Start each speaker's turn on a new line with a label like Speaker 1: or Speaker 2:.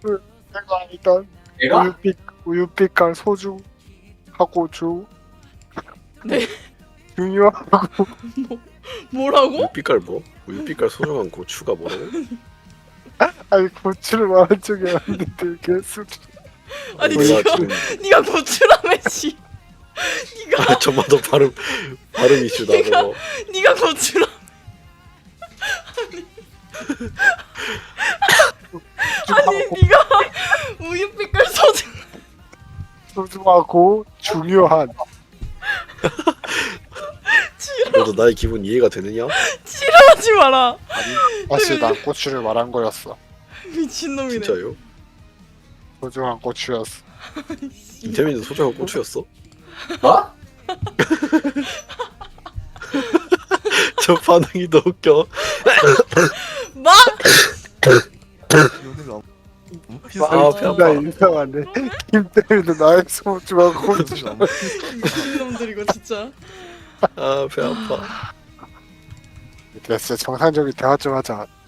Speaker 1: 내가 알던
Speaker 2: 내가?
Speaker 1: 우유빛깔 소주하고 주
Speaker 3: 네.
Speaker 1: 중요하고
Speaker 3: 뭐라고?
Speaker 4: 우유빛깔 뭐? 우유빛깔 소중한 고추가 뭐라고?
Speaker 1: 아니 고추를 말한 적이 아닌데 개수
Speaker 3: 아니
Speaker 4: 내가
Speaker 3: 니가
Speaker 4: 지금
Speaker 3: 니가 고추라며 씨. 니가
Speaker 4: 저마다 발음 이슈다 그거.
Speaker 3: 니가 고추라. 아니 니가 우유빛깔
Speaker 1: 소중하고 중요한
Speaker 4: 너도 나의 기분 이해가 되느냐?
Speaker 3: 싫어하지 마라.
Speaker 1: 사실 난 고추를 말한 거였어.
Speaker 3: 미친놈이네.
Speaker 4: 진짜요?
Speaker 1: 소중한 고추였어.
Speaker 4: 이태민도 소중한 고추였어?
Speaker 2: 뭐?
Speaker 4: 저 반응이 더 웃겨.
Speaker 3: 막
Speaker 4: 아, 배 아파.
Speaker 1: 나 이상하네. 김 때문에 나의 소중한 고추.
Speaker 3: 미친놈들 이거 진짜.
Speaker 4: 아, 배 아파.
Speaker 1: 됐어. 정상적인 대화 좀 하자.